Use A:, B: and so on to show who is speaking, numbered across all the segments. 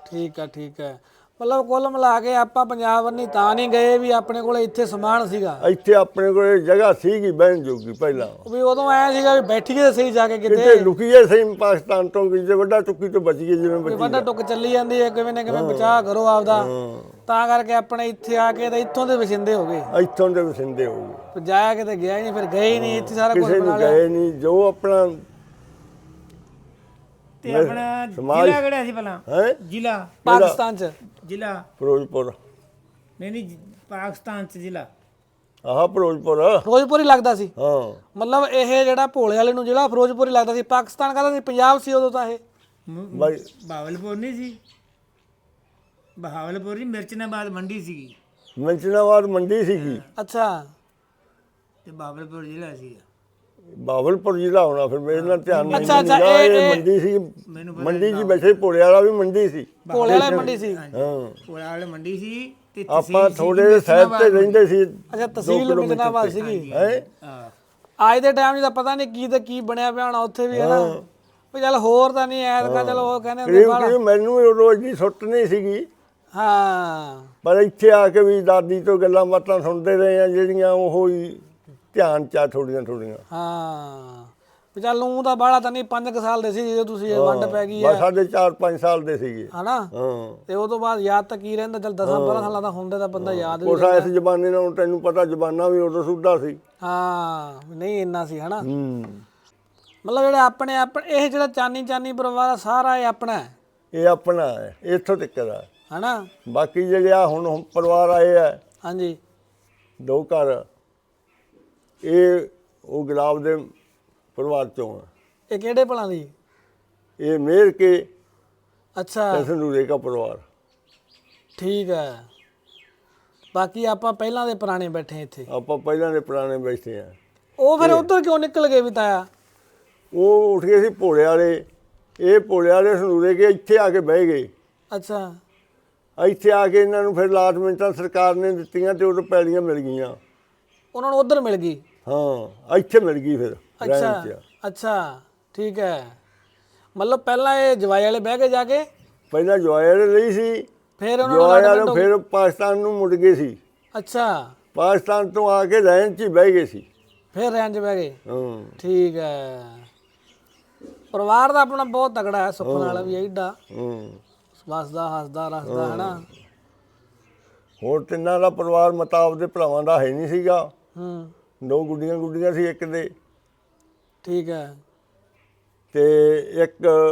A: ਠੀਕ ਹੈ ਮਤਲਬ ਕੁੱਲ ਮਿਲਾ ਕੇ ਆਪਾਂ ਪੰਜਾਬ ਵੰਨੀ ਤਾਂ ਨਹੀਂ ਗਏ ਵੀ ਆਪਣੇ ਕੋਲ ਇੱਥੇ ਸਮਾਨ ਸੀਗਾ,
B: ਇੱਥੇ ਆਪਣੇ ਕੋਲ ਜਗ੍ਹਾ ਸੀਗੀ ਬਹਿਣ ਜੋਗੀ ਪਹਿਲਾਂ,
A: ਵੀ ਉਦੋਂ ਐ ਸੀਗਾ ਵੀ ਬੈਠੀਏ ਸਹੀ ਜਾ ਕੇ
B: ਕਿਤੇ
A: ਕਿਤੇ
B: ਲੁਕੀਏ ਸਹੀ ਪਾਕਿਸਤਾਨ ਤੋਂ, ਕਿਤੇ ਵੱਡਾ ਚੁੱਕੀ ਤੋਂ ਬਚ ਗਏ ਜਿਵੇਂ
A: ਵੀ
B: ਬਚੀ
A: ਵੱਡਾ ਟੁੱਕ ਚੱਲੀ ਜਾਂਦੀ ਹੈ ਕਿਵੇਂ ਨਾ ਕਿਵੇਂ ਬਚਾਅ ਕਰੋ ਆਪਦਾ, ਤਾਂ ਕਰਕੇ ਆਪਣੇ ਇੱਥੇ ਆ ਕੇ ਤਾਂ ਇੱਥੋਂ ਦੇ ਵਸਿੰਦੇ ਹੋ ਗਏ,
B: ਇੱਥੋਂ ਦੇ ਵਸਿੰਦੇ ਹੋ ਗਏ,
A: ਫਿਰ ਜਾਇਆ ਕਿਤੇ ਗਿਆ ਹੀ ਨਹੀਂ, ਫਿਰ ਗਏ ਹੀ ਨਹੀਂ, ਇੱਥੇ ਸਾਰਾ ਕੁਝ
B: ਕਿਸੇ
A: ਬਣਾ
B: ਨੂੰ
A: ਲਿਆ।
B: ਗਏ ਨਹੀਂ। ਜੋ ਆਪਣਾ
C: ਤੇ ਆਪਣਾ ਜ਼ਿਲ੍ਹਾ ਕਿਹੜਾ ਸੀ ਭਲਾ?
B: ਹੈ
C: ਜ਼ਿਲ੍ਹਾ
A: ਪਾਕਿਸਤਾਨ ਚ
C: ਜ਼ਿਲ੍ਹਾ
B: ਫਿਰੋਜ਼ਪੁਰ,
C: ਨਹੀਂ ਪਾਕਿਸਤਾਨ ਚ ਜ਼ਿਲ੍ਹਾ
B: ਆਹ ਫਿਰੋਜ਼ਪੁਰ,
A: ਫਿਰੋਜ਼ਪੁਰ ਹੀ ਲੱਗਦਾ ਸੀ,
B: ਹਾਂ
A: ਮਤਲਬ ਇਹ ਜਿਹੜਾ ਭੋਲੇ ਵਾਲੇ ਨੂੰ ਜਿਹੜਾ ਫਿਰੋਜ਼ਪੁਰ ਹੀ ਲੱਗਦਾ ਸੀ, ਪਾਕਿਸਤਾਨ ਕਹਿੰਦਾ ਸੀ, ਪੰਜਾਬ ਸੀ ਉਦੋਂ ਤਾਂ ਇਹ।
B: ਬਾਈ
C: ਬਹਾਵਲਪੁਰ ਨਹੀਂ ਸੀ, ਬਹਾਵਲਪੁਰ ਨਹੀਂ, ਮਿਰਚਨਾਬਾਦ ਮੰਡੀ ਸੀਗੀ,
B: ਮੰਚਨਾਬਾਦ ਮੰਡੀ ਸੀਗੀ,
A: ਅੱਛਾ
C: ਤੇ ਬਹਾਵਲਪੁਰ ਜ਼ਿਲ੍ਹਾ ਸੀਗਾ।
B: ਬਾਵਲਪੁਰ ਜ਼ਿਲ੍ਹਾ ਹੋਣਾ, ਫਿਰ ਮੇਰੇ ਨਾਲ ਧਿਆਨ ਨਹੀਂ
A: ਅੱਛਾ,
B: ਸੀਗਾ।
A: ਇਹ-
B: ਇਹ ਮੰਡੀ ਸੀ, ਮੰਡੀ 'ਚ ਬੈਠੇ ਭੋਲੇ ਵਾਲਾ ਵੀ ਮੰਡੀ ਸੀ,
A: ਭੋਲੇ ਵਾਲੇ ਮੰਡੀ ਸੀ,
B: ਹਾਂ
C: ਕੋਲਾ ਵਾਲੇ ਮੰਡੀ ਸੀ ਤੇ
B: ਆਪਾਂ ਥੋੜੇ ਸਾਈਡ ਤੇ ਰਹਿੰਦੇ ਸੀ।
A: ਅੱਛਾ ਤਹਿਸੀਲ ਮਿਰਚਨਾਬਾਦ ਸੀਗੀ।
B: ਹੈ
C: ਹਾਂ
A: ਅੱਜ ਦੇ ਟਾਈਮ 'ਚ ਤਾਂ ਪਤਾ ਨਹੀਂ ਕੀ ਤੇ ਕੀ ਬਣਿਆ ਪਿਆ ਹੋਣਾ ਉੱਥੇ ਵੀ, ਹੈ ਨਾ ਵੀ ਚੱਲ ਹੋਰ ਤਾਂ ਨਹੀਂ ਐਤਕਾ, ਚਲੋ ਉਹ ਕਹਿੰਦੇ ਹੁੰਦੇ
B: ਕਰੀਬ ਕਰੀਬ ਮੈਨੂੰ ਵੀ ਰੋਜ਼ ਦੀ ਸੁੱਟ ਨਹੀਂ ਸੀਗੀ,
A: ਹਾਂ
B: ਪਰ ਇੱਥੇ ਆ ਕੇ ਵੀ ਦਾਦੀ ਤੋਂ ਗੱਲਾਂ ਬਾਤਾਂ ਸੁਣਦੇ ਰਹੇ ਆ ਜਿਹੜੀਆਂ ਉਹ ਹੀ ਧਿਆਨ ਚ ਆ ਥੋੜੀਆਂ ਥੋੜੀਆਂ।
A: ਹਾਂ ਵੀ ਚੱਲ ਨੂੰ ਤਾਂ ਬਾਹਲਾ ਤਾਂ ਨਹੀਂ, 5 ਸਾਲ ਦੇ ਸੀ ਜਦੋਂ ਤੁਸੀਂ ਇਹ ਵੰਡ ਪੈ ਗਈ
B: ਬਸ
A: ਹੈ,
B: ਸਾਡੇ 4-5 ਸਾਲ ਦੇ ਸੀਗੇ,
A: ਹਨਾ,
B: ਹਾਂ
A: ਤੇ ਉਹ ਤੋਂ ਬਾਅਦ ਯਾਦ ਤਾਂ ਕੀ ਰਹਿੰਦਾ, ਚੱਲ 10-12 ਸਾਲਾਂ ਦਾ ਹੁੰਦੇ ਤਾਂ ਬੰਦਾ ਯਾਦ ਵੀ,
B: ਕੋਸਾ ਇਸ ਜ਼ਮਾਨੇ ਨਾਲ ਤੈਨੂੰ ਪਤਾ ਜ਼ਮਾਨਾ ਵੀ ਉਦੋਂ ਸੁੱਧਾ ਸੀ।
A: ਹਾਂ ਨਹੀਂ ਇੰਨਾ ਸੀ, ਹਨਾ,
B: ਹੂੰ
A: ਮਤਲਬ ਜਿਹੜੇ ਆਪਣੇ ਇਹ ਜਿਹੜਾ ਚਾਨੀ ਪਰਿਵਾਰ ਆ ਸਾਰਾ ਇਹ ਆਪਣਾ ਹੈ,
B: ਇਹ ਆਪਣਾ ਹੈ, ਇੱਥੋਂ ਤੱਕ ਦਾ।
A: ਹਨਾ,
B: ਬਾਕੀ ਜਿਹੜੇ ਆ ਹੁਣ ਪਰਿਵਾਰ ਆਏ ਆ
A: ਹਾਂਜੀ
B: 2 ਘਰ, ਇਹ ਉਹ ਗੁਲਾਬ ਦੇ ਪਰਿਵਾਰ ਚੋਂ ਆ।
A: ਇਹ ਕਿਹੜੇ ਭਲਾਂ ਦੀ?
B: ਇਹ ਮੇਰ ਕੇ
A: ਅੱਛਾ
B: ਸੰਦੂਰੇ ਦਾ ਪਰਿਵਾਰ।
A: ਠੀਕ ਹੈ, ਬਾਕੀ ਆਪਾਂ ਪਹਿਲਾਂ ਦੇ ਪੁਰਾਣੇ ਬੈਠੇ ਇੱਥੇ।
B: ਆਪਾਂ ਪਹਿਲਾਂ ਦੇ ਪੁਰਾਣੇ ਬੈਠੇ ਆ।
A: ਉਹ ਫਿਰ ਉਧਰ ਕਿਉਂ ਨਿਕਲ ਗਏ ਵੀ ਤਾਇਆ?
B: ਉਹ ਉੱਠ ਗਏ ਸੀ ਭੋਲੇ ਵਾਲੇ, ਇਹ ਭੋਲੇ ਵਾਲੇ ਸੰਦੂਰੇ ਕੇ ਇੱਥੇ ਆ ਕੇ ਬਹਿ ਗਏ।
A: ਅੱਛਾ
B: ਇੱਥੇ ਆ ਕੇ ਇਹਨਾਂ ਨੂੰ ਫਿਰ ਅਲਾਟਮੈਂਟਾਂ ਸਰਕਾਰ ਨੇ ਦਿੱਤੀਆਂ ਤੇ ਉਦੋਂ ਪੈਲੀਆਂ ਮਿਲ ਗਈਆਂ।
A: ਉਹਨਾਂ ਨੂੰ ਉਧਰ ਮਿਲ ਗਈ?
B: ਹਾਂ ਇੱਥੇ ਮਿਲ ਗਈ ਫਿਰ
A: ਅੱਛਾ
B: ਰਹਿਣ 'ਚ।
A: ਅੱਛਾ ਠੀਕ ਹੈ, ਮਤਲਬ ਪਹਿਲਾਂ ਇਹ ਜਵਾਈ ਵਾਲੇ ਬਹਿ ਕੇ ਜਾ ਕੇ,
B: ਪਹਿਲਾਂ ਜਵਾਈ ਵਾਲੇ ਲਈ ਸੀ,
A: ਫਿਰ ਉਹਨਾਂ ਨੂੰ
B: ਜਵਾਈ ਵਾਲੇ
A: allotment ਹੋ
B: ਫਿਰ ਪਾਕਿਸਤਾਨ ਨੂੰ ਮੁੜ ਗਏ ਸੀ।
A: ਅੱਛਾ
B: ਪਾਕਿਸਤਾਨ ਤੋਂ ਆ ਕੇ ਰਹਿਣ 'ਚ ਹੀ ਬਹਿ ਗਏ ਸੀ।
A: ਫਿਰ ਰਹਿਣ 'ਚ ਬਹਿ ਗਏ।
B: ਹਾਂ
A: ਠੀਕ ਹੈ, ਪਰਿਵਾਰ ਦਾ ਆਪਣਾ ਬਹੁਤ ਤਕੜਾ ਹੈ, ਸੁੱਖ ਨਾਲ ਵੀ ਐਡਾ ਵਸਦਾ ਹੱਸਦਾ ਰਸਦਾ, ਹੈ ਨਾ।
B: ਹੋਰ ਤਿੰਨਾਂ ਦਾ ਪਰਿਵਾਰ ਮਤਾਬ ਦੇ ਭਰਾਵਾਂ ਦਾ ਹੈ ਨਹੀਂ ਸੀਗਾ।
A: ਹੂੰ
B: 2 ਗੁੱਡੀਆਂ ਸੀ ਇੱਕ ਦੇ,
A: ਠੀਕ ਹੈ,
B: ਤੇ ਇੱਕ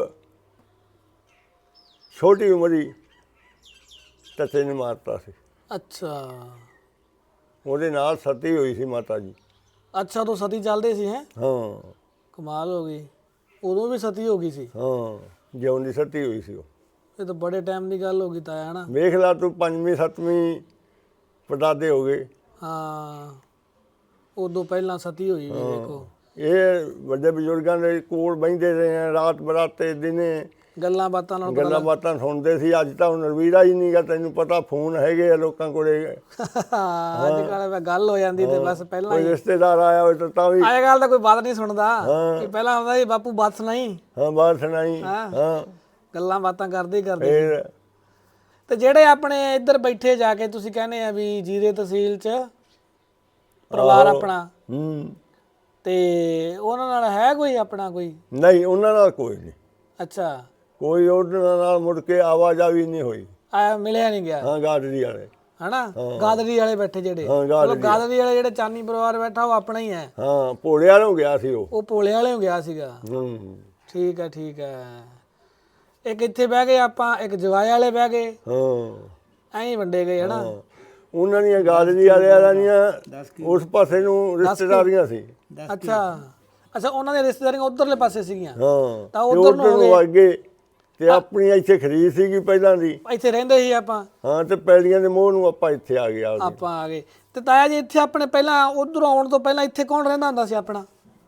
B: ਛੋਟੀ ਉਮਰੀ ਤਸੇ ਨੇ ਮਾਰਤਾ ਸੀ।
A: ਅੱਛਾ
B: ਉਹਦੇ ਨਾਲ ਸਤੀ ਹੋਈ ਸੀ ਮਾਤਾ ਜੀ।
A: ਅੱਛਾ ਤੋਂ ਸਤੀ ਚੱਲਦੇ ਸੀ, ਹੈ
B: ਹਾਂ
A: ਕਮਾਲ ਹੋ ਗਈ, ਉਦੋਂ ਵੀ ਸਤੀ ਹੋ ਗਈ ਸੀ?
B: ਹਾਂ ਜਿਉਂਦੀ ਸਤੀ ਹੋਈ ਸੀ ਉਹ।
A: ਇਹ ਤਾਂ ਬੜੇ ਟਾਈਮ ਦੀ ਗੱਲ ਹੋ ਗਈ ਤਾਇਆ, ਹੈ ਨਾ।
B: ਵੇਖ ਲਾ ਤੂੰ 5ਵੀਂ 7ਵੀਂ ਪੜਦਾਦੇ ਹੋ ਗਏ।
A: ਹਾਂ ਉਦੋਂ ਪਹਿਲਾਂ ਸਤੀ ਹੋਈ ਵੀ ਵੇਖੋ।
B: ਇਹ ਵੱਡੇ ਬਜ਼ੁਰਗਾਂ ਦੇ ਕੋਲ ਬਹਿੰਦੇ ਰਹੇ ਆ, ਰਾਤ ਬਰਾਤੇ ਦਿਨੇ
A: ਗੱਲਾਂ ਬਾਤਾਂ ਨਾਲ
B: ਗੱਲਾਂ ਬਾਤਾਂ ਸੁਣਦੇ ਸੀ। ਅੱਜ ਤਾਂ ਹੁਣ ਰਵੀਰਾ ਹੀ ਨਹੀਂਗਾ, ਤੈਨੂੰ ਪਤਾ ਫੋਨ ਹੈਗੇ ਆ ਲੋਕਾਂ ਕੋਲੇ।
A: ਅੱਜ ਕੱਲ੍ਹ ਗੱਲ ਹੋ ਜਾਂਦੀ ਤੇ ਬਸ ਪਹਿਲਾਂ
B: ਕੋਈ
A: ਹੀ
B: ਰਿਸ਼ਤੇਦਾਰ ਆਇਆ ਹੋਵੇ ਤਾਂ ਵੀ
A: ਅੱਜ ਕੱਲ੍ਹ ਤਾਂ ਕੋਈ ਬਾਤ ਨਹੀਂ ਸੁਣਦਾ, ਕਿ ਪਹਿਲਾਂ ਹੁੰਦਾ ਸੀ ਬਾਪੂ ਬਾਤ ਸੁਣਾਈ,
B: ਹਾਂ ਬਾਤ ਸੁਣਾਈ।
A: ਹਾਂ।
B: ਹਾਂ
A: ਗੱਲਾਂ ਬਾਤਾਂ ਕਰਦੇ ਹੀ ਕਰਦੇ।
B: ਫਿਰ
A: ਤੇ ਜਿਹੜੇ ਆਪਣੇ ਇੱਧਰ ਬੈਠੇ ਜਾ ਕੇ ਤੁਸੀਂ ਕਹਿੰਦੇ ਆ ਵੀ ਜੀਰੇ ਤਹਿਸੀਲ 'ਚ ਪਰਿਵਾਰ ਆਪਣਾ,
B: ਹੂੰ
A: ਤੇ ਉਹਨਾਂ ਨਾਲ ਹੈ ਕੋਈ ਆਪਣਾ ਕੋਈ?
B: ਨਹੀਂ ਉਹਨਾਂ ਨਾਲ ਕੋਈ ਨਹੀਂ,
A: ਅੱਛਾ
B: ਕੋਈ ਉਹਨਾਂ ਨਾਲ ਮੁੜ ਕੇ ਆਵਾਜਾਈ ਨਹੀਂ ਹੋਈ।
A: ਆਇਆ ਮਿਲਿਆ ਨਹੀਂ ਗਿਆ,
B: ਹਾਂ ਗਾਡਰੀ ਵਾਲੇ,
A: ਹਨਾ। ਗਾਦਰੀ ਵਾਲੇ ਬੈਠੇ ਜਿਹੜੇ,
B: ਹਾਂ
A: ਮਤਲਬ ਗਾਦਰੀ ਵਾਲੇ ਜਿਹੜੇ ਚਾਨੀ ਪਰਿਵਾਰ ਬੈਠਾ ਉਹ ਆਪਣਾ ਹੀ ਹੈ।
B: ਹਾਂ ਭੋਲੇ ਵਾਲੋਂ ਗਿਆ ਸੀ ਉਹ।
A: ਉਹ ਭੋਲੇ ਵਾਲੇ ਹੋ ਗਿਆ ਸੀਗਾ।
B: ਹੂੰ
A: ਠੀਕ ਹੈ ਠੀਕ ਹੈ। ਇੱਕ ਇੱਥੇ ਬਹਿ ਗਏ ਆਪਾਂ, ਇੱਕ ਜਵਾਏ ਵਾਲੇ ਬਹਿ ਗਏ,
B: ਹਾਂ
A: ਐਂ ਹੀ ਵੰਡੇ ਗਏ, ਹਨਾ।
B: ਉਹਨਾਂ ਦੀਆਂ ਗਾਦਰੀ ਵਾਲਿਆਂ ਦੀਆਂ ਉਸ ਪਾਸੇ ਨੂੰ ਰਿਸ਼ਤੇਦਾਰੀਆਂ ਸੀ।
A: ਅੱਛਾ ਅੱਛਾ, ਉਹਨਾਂ ਦੀਆਂ ਰਿਸ਼ਤੇਦਾਰੀਆਂ ਉਧਰਲੇ ਪਾਸੇ ਸੀਗੀਆਂ,
B: ਹਾਂ
A: ਤਾਂ
B: ਤੇ
A: ਉੱਧਰ ਨੂੰ ਹੋ ਗਏ।
B: ਅੱਗੇ ਤੇ ਆਪਣੀ ਇੱਥੇ ਖਰੀਦ ਸੀਗੀ ਪਹਿਲਾਂ ਦੀ।
A: ਇੱਥੇ ਰਹਿੰਦੇ ਸੀ ਆਪਾਂ,
B: ਹਾਂ ਤੇ ਪੈਲੀਆਂ ਦੇ ਮੋਹ ਨੂੰ ਆਪਾਂ ਇੱਥੇ ਆ ਗਏ।
A: ਆਪਾਂ ਆ ਗਏ। ਤੇ ਤਾਇਆ ਜੀ ਇੱਥੇ ਆਪਣੇ ਪਹਿਲਾਂ ਉਧਰੋਂ ਆਉਣ ਤੋਂ ਪਹਿਲਾਂ ਇੱਥੇ ਕੌਣ ਰਹਿੰਦਾ ਹੁੰਦਾ ਸੀ ਆਪਣਾ?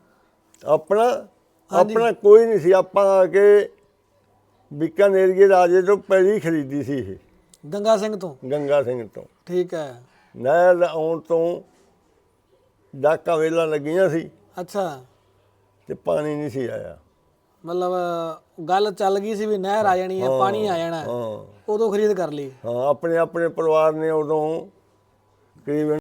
B: ਆਪਣਾ ਕੋਈ ਨਹੀਂ ਸੀ। ਆਪਾਂ ਆ ਕੇ ਬੀਕਾਨੇਰ ਦੇ ਰਾਜੇ ਤੋਂ ਪੈਲੀ ਖਰੀਦੀ ਸੀ ਇਹ,
A: ਗੰਗਾ ਸਿੰਘ ਤੋਂ?
B: ਗੰਗਾ ਸਿੰਘ ਤੋਂ।
A: ਠੀਕ ਹੈ,
B: ਨਹਿਰ ਆਉਣ ਤੋਂ ਡਾਕਾ ਵੇਲਾਂ ਲੱਗੀਆਂ ਸੀ
A: ਅੱਛਾ
B: ਤੇ ਪਾਣੀ ਨਹੀਂ ਸੀ ਆਇਆ।
A: ਮਤਲਬ ਗੱਲ ਚੱਲ ਗਈ ਸੀ ਵੀ ਨਹਿਰ ਆ ਜਾਣੀ ਹੈ, ਪਾਣੀ ਆ ਜਾਣਾ,
B: ਹਾਂ
A: ਉਦੋਂ ਖਰੀਦ ਕਰ ਲਈ।
B: ਹਾਂ ਆਪਣੇ ਆਪਣੇ ਪਰਿਵਾਰ ਨੇ ਉਦੋਂ ਕਰੀਬ